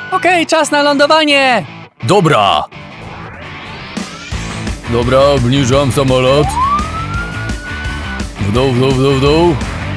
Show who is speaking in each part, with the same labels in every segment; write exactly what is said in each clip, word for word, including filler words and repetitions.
Speaker 1: Okej, czas na lądowanie!
Speaker 2: Dobra. Dobra, obniżam samolot. W dół, w dół, w dół, w dół.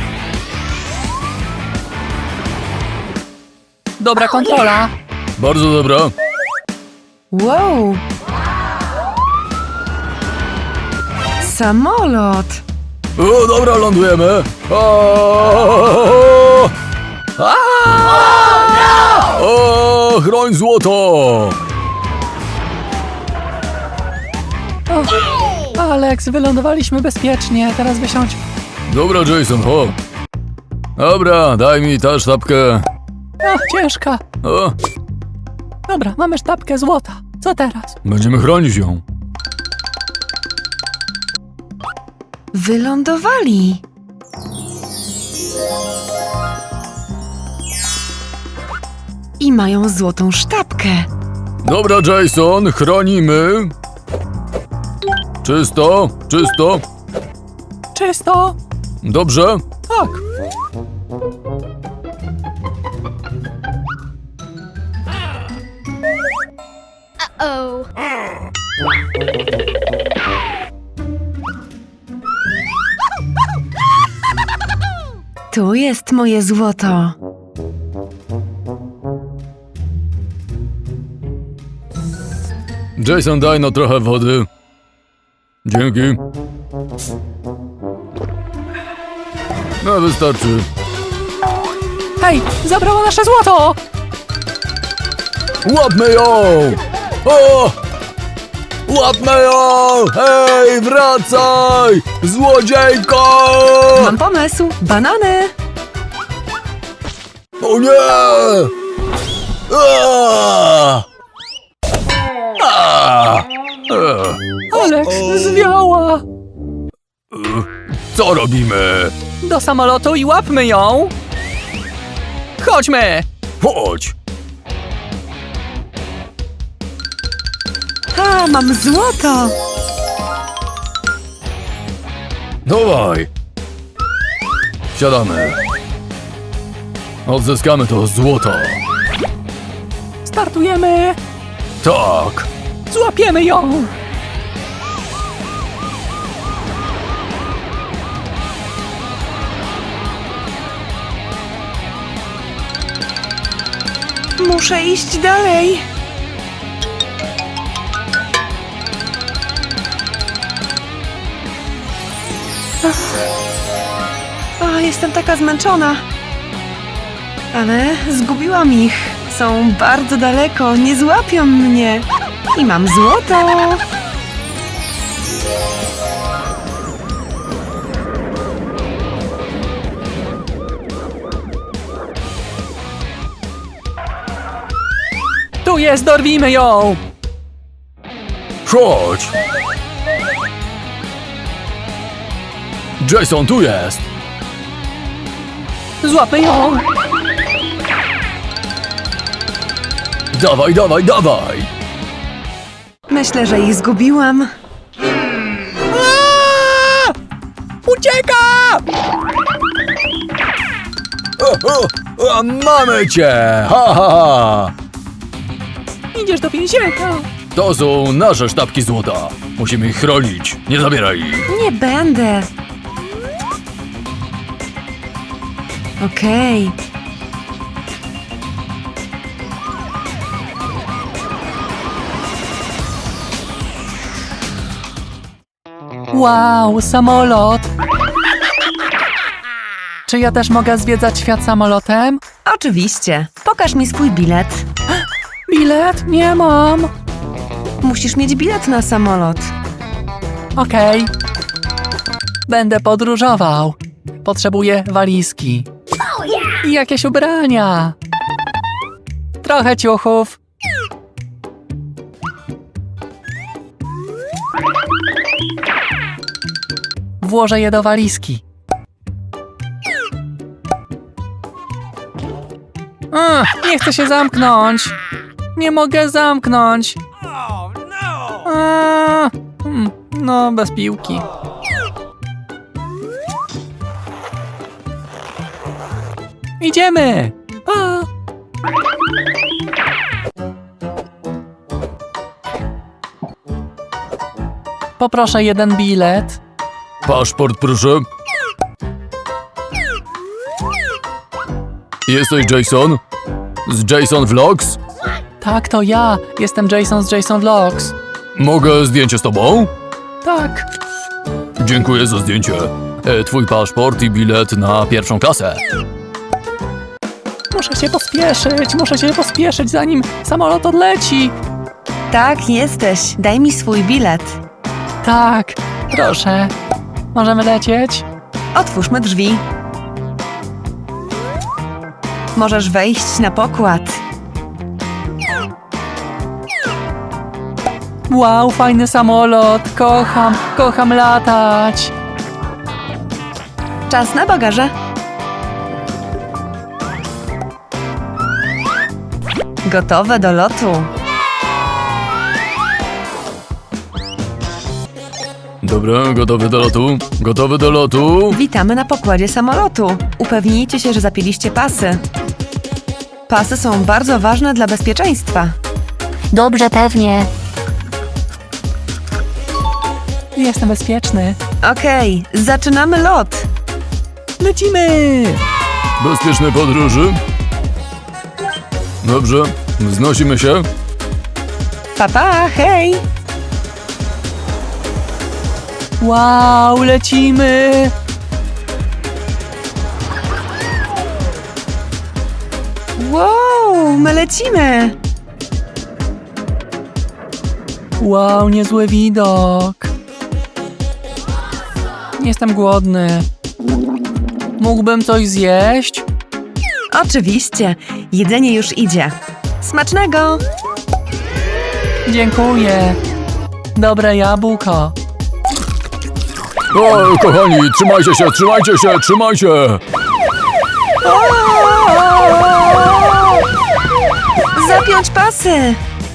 Speaker 1: Dobra kontrola.
Speaker 2: Bardzo dobra.
Speaker 3: Wow! Samolot!
Speaker 2: O, dobra, lądujemy. O, o, o, chroń złoto.
Speaker 1: O, Alex, wylądowaliśmy bezpiecznie, teraz wysiądź.
Speaker 2: Dobra, Jason, ho. Dobra, daj mi tę sztabkę.
Speaker 1: O, ciężka.
Speaker 2: O,
Speaker 1: Dobra, mamy sztabkę złota. Co teraz?
Speaker 2: będziemy chronić ją.
Speaker 3: Wylądowali! I mają złotą sztabkę.
Speaker 2: Dobra, Jason, chronimy. Czysto, czysto.
Speaker 1: Czysto?
Speaker 2: Dobrze.
Speaker 1: Tak.
Speaker 4: Oh.
Speaker 3: Tu jest moje złoto.
Speaker 2: Jason, daj no trochę wody. Dzięki. No, wystarczy.
Speaker 1: Hej, zabrała nasze złoto!
Speaker 2: Łapmy ją! O! Łapmy ją! Hej, wracaj! Złodziejko!
Speaker 3: Mam pomysł. Banany!
Speaker 2: O nie! Aaa! Aaa! Eee,
Speaker 1: Alex, zwiała!
Speaker 2: Co robimy?
Speaker 1: Do samolotu i łapmy ją! Chodźmy!
Speaker 2: Chodź!
Speaker 3: A, mam złoto!
Speaker 2: Dawaj! Wsiadamy. Odzyskamy to złoto.
Speaker 1: Startujemy!
Speaker 2: Tak!
Speaker 1: Złapiemy ją!
Speaker 3: Muszę iść dalej. O, jestem taka zmęczona. Ale zgubiłam ich. Są bardzo daleko, nie złapią mnie. I mam złoto.
Speaker 1: Tu jest, dorwijmy ją!
Speaker 2: Chodź! Jason, tu jest!
Speaker 1: Złapmy ją!
Speaker 2: Dawaj, dawaj, dawaj!
Speaker 3: Myślę, że ich zgubiłam.
Speaker 1: Aaa! Ucieka!
Speaker 2: O, o, o, mamy cię! Ha, ha, ha!
Speaker 1: Idziesz do więzienia!
Speaker 2: To są nasze sztabki złota. Musimy ich chronić. Nie zabieraj ich.
Speaker 3: Nie będę. Okej.
Speaker 1: Wow, samolot! Czy ja też mogę zwiedzać świat samolotem?
Speaker 3: Oczywiście. Pokaż mi swój bilet.
Speaker 1: Bilet? Nie mam!
Speaker 3: Musisz mieć bilet na samolot.
Speaker 1: Okej. Będę podróżował. Potrzebuję walizki. I jakieś ubrania. Trochę ciuchów. Włożę je do walizki. A, nie chcę się zamknąć. Nie mogę zamknąć. A, hmm, no, bez piłki. Idziemy! Pa! Poproszę jeden bilet.
Speaker 2: Paszport, proszę. Jesteś Jason? Z Jason Vlogs?
Speaker 1: Tak, to ja. Jestem Jason z Jason Vlogs.
Speaker 2: Mogę zdjęcie z tobą?
Speaker 1: Tak.
Speaker 2: Dziękuję za zdjęcie. E, twój paszport i bilet na pierwszą klasę.
Speaker 1: Muszę się pospieszyć, muszę się pospieszyć, zanim samolot odleci.
Speaker 3: Tak, jesteś. Daj mi swój bilet.
Speaker 1: Tak, proszę. Możemy lecieć?
Speaker 3: Otwórzmy drzwi. Możesz wejść na pokład.
Speaker 1: Wow, fajny samolot. Kocham, kocham latać.
Speaker 3: Czas na bagaże. Gotowe do lotu.
Speaker 2: Dobra, gotowy do lotu. Gotowy do lotu.
Speaker 3: Witamy na pokładzie samolotu. Upewnijcie się, że zapięliście pasy. Pasy są bardzo ważne dla bezpieczeństwa.
Speaker 4: Dobrze, pewnie.
Speaker 1: Jestem bezpieczny.
Speaker 3: Okej, zaczynamy lot.
Speaker 1: Lecimy!
Speaker 2: Bezpiecznej podróży. Dobrze, wznosimy się.
Speaker 3: Papa, hej!
Speaker 1: Wow, lecimy!
Speaker 3: Wow, my lecimy!
Speaker 1: Wow, niezły widok. Jestem głodny. Mógłbym coś zjeść?
Speaker 3: Oczywiście, jedzenie już idzie. Smacznego!
Speaker 1: Dziękuję. Dobre jabłko.
Speaker 2: O, kochani, trzymajcie się, trzymajcie się, trzymajcie.
Speaker 3: Zapiąć pasy!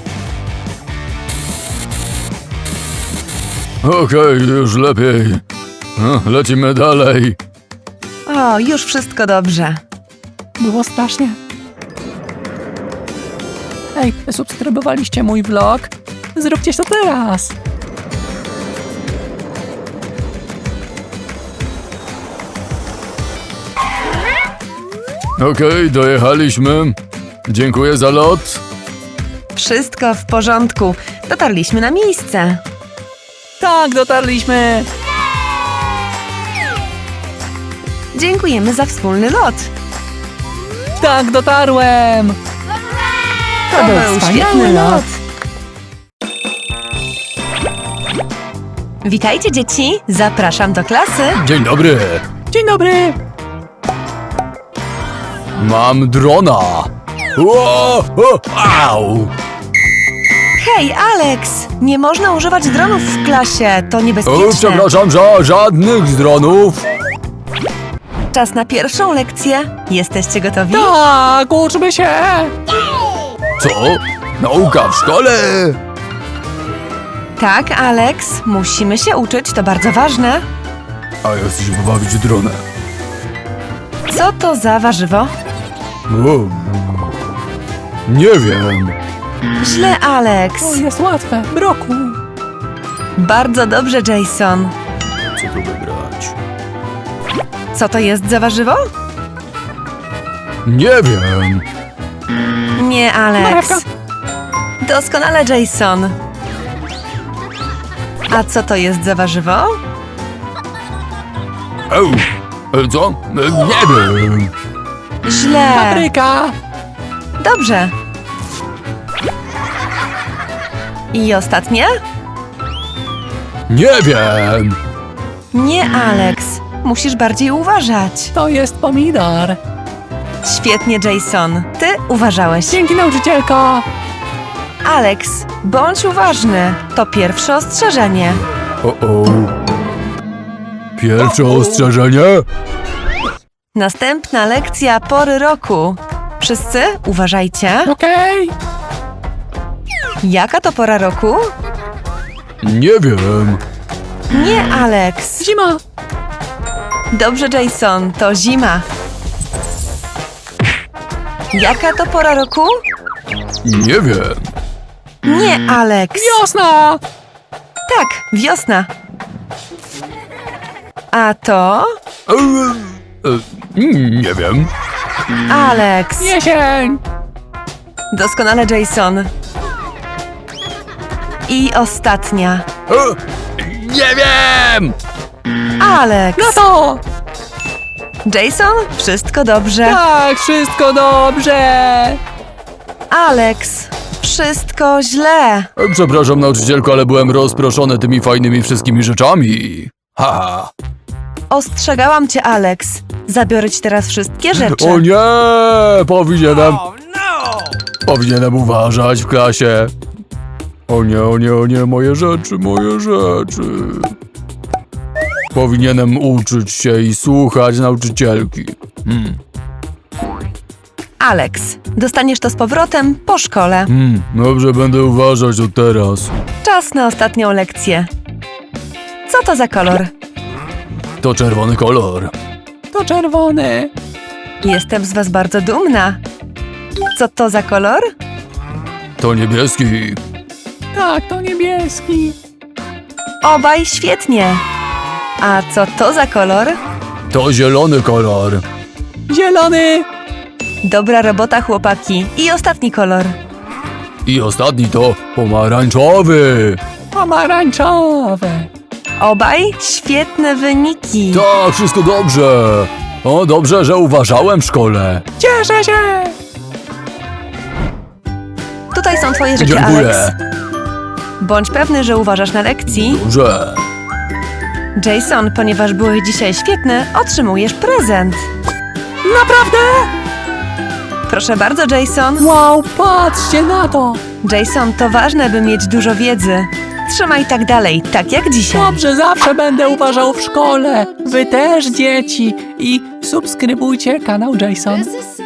Speaker 2: Okej, już lepiej. No, lecimy dalej.
Speaker 3: O, już wszystko dobrze.
Speaker 1: Było strasznie. Ej, subskrybowaliście mój vlog? Zróbcie to teraz.
Speaker 2: Okej, dojechaliśmy. Dziękuję za lot.
Speaker 3: Wszystko w porządku. Dotarliśmy na miejsce.
Speaker 1: Tak, dotarliśmy.
Speaker 3: Dziękujemy za wspólny lot.
Speaker 1: Tak, dotarłem.
Speaker 3: To był świetny lot. Witajcie, dzieci. Zapraszam do klasy.
Speaker 2: Dzień dobry.
Speaker 1: Dzień dobry.
Speaker 2: Mam drona. Ło, o, au.
Speaker 3: Hej, Alex! Nie można używać dronów w klasie. To
Speaker 2: O,
Speaker 3: niebezpieczne.
Speaker 2: przepraszam, za żadnych dronów.
Speaker 3: Czas na pierwszą lekcję. Jesteście gotowi?
Speaker 1: Tak, uczmy się.
Speaker 2: Co? Nauka w szkole?
Speaker 3: Tak, Alex. Musimy się uczyć, to bardzo ważne.
Speaker 2: A ja chcę się pobawić dronem.
Speaker 3: Co to za warzywo?
Speaker 2: O, nie wiem.
Speaker 3: Źle, Alex.
Speaker 1: O, jest łatwe. Broku.
Speaker 3: Bardzo dobrze, Jason.
Speaker 2: Co tu wybrać?
Speaker 3: Co to jest za warzywo?
Speaker 2: Nie wiem.
Speaker 3: Nie, Alex.
Speaker 1: Marchewka.
Speaker 3: Doskonale, Jason. A co to jest za warzywo?
Speaker 2: Eł, e, co? E, Nie wiem.
Speaker 3: Źle.
Speaker 1: Papryka.
Speaker 3: Dobrze. I ostatnie?
Speaker 2: Nie wiem.
Speaker 3: Nie, Alex. Musisz bardziej uważać.
Speaker 1: To jest pomidor.
Speaker 3: Świetnie, Jason. Ty uważałeś.
Speaker 1: Dzięki, nauczycielko.
Speaker 3: Alex, bądź uważny. To pierwsze ostrzeżenie.
Speaker 2: O, o. Pierwsze ostrzeżenie?
Speaker 3: Następna lekcja pory roku. Wszyscy uważajcie.
Speaker 1: Okej.
Speaker 3: Jaka to pora roku?
Speaker 2: Nie wiem.
Speaker 3: Nie, Alex.
Speaker 1: Zima.
Speaker 3: Dobrze, Jason, to zima. Jaka to pora roku?
Speaker 2: Nie wiem.
Speaker 3: Nie, Alex.
Speaker 1: Wiosna.
Speaker 3: Tak, wiosna. A to?
Speaker 2: E, e, nie wiem.
Speaker 3: Alex.
Speaker 1: Jesień!
Speaker 3: Doskonale, Jason. I ostatnia.
Speaker 2: E, nie wiem!
Speaker 3: Alex.
Speaker 1: No to!
Speaker 3: Jason, wszystko dobrze.
Speaker 1: Tak, wszystko dobrze!
Speaker 3: Alex, wszystko źle.
Speaker 2: E, Przepraszam, nauczycielko, ale byłem rozproszony tymi fajnymi wszystkimi rzeczami. Haha.
Speaker 3: Ostrzegałam cię, Alex. Zabiorę ci teraz wszystkie rzeczy.
Speaker 2: O nie! Powinienem... Powinienem uważać w klasie. O nie, o nie, o nie, moje rzeczy, moje rzeczy. Powinienem uczyć się i słuchać nauczycielki. Hmm.
Speaker 3: Alex, dostaniesz to z powrotem po szkole.
Speaker 2: Hmm, dobrze, będę uważać od teraz.
Speaker 3: Czas na ostatnią lekcję. Co to za kolor?
Speaker 2: To czerwony kolor.
Speaker 1: To czerwony.
Speaker 3: Jestem z was bardzo dumna. Co to za kolor?
Speaker 2: To niebieski.
Speaker 1: Tak, to niebieski.
Speaker 3: Obaj świetnie. A co to za kolor?
Speaker 2: To zielony kolor.
Speaker 1: Zielony.
Speaker 3: Dobra robota, chłopaki. I ostatni kolor.
Speaker 2: I ostatni to pomarańczowy.
Speaker 1: Pomarańczowy.
Speaker 3: Obaj świetne wyniki.
Speaker 2: Tak, wszystko dobrze. O, dobrze, że uważałem w szkole.
Speaker 1: Cieszę się!
Speaker 3: Tutaj są twoje rzeczy,
Speaker 2: Dziękuję.
Speaker 3: Alex. Bądź pewny, że uważasz na lekcji.
Speaker 2: Dobrze.
Speaker 3: Jason, ponieważ byłeś dzisiaj świetny, otrzymujesz prezent.
Speaker 1: Naprawdę?
Speaker 3: Proszę bardzo, Jason.
Speaker 1: Wow, patrzcie na to!
Speaker 3: Jason, to ważne, by mieć dużo wiedzy. Trzymaj tak dalej, tak jak dzisiaj.
Speaker 1: Dobrze, zawsze będę uważał w szkole. Wy też, dzieci. I subskrybujcie kanał Jason.
Speaker 5: This is so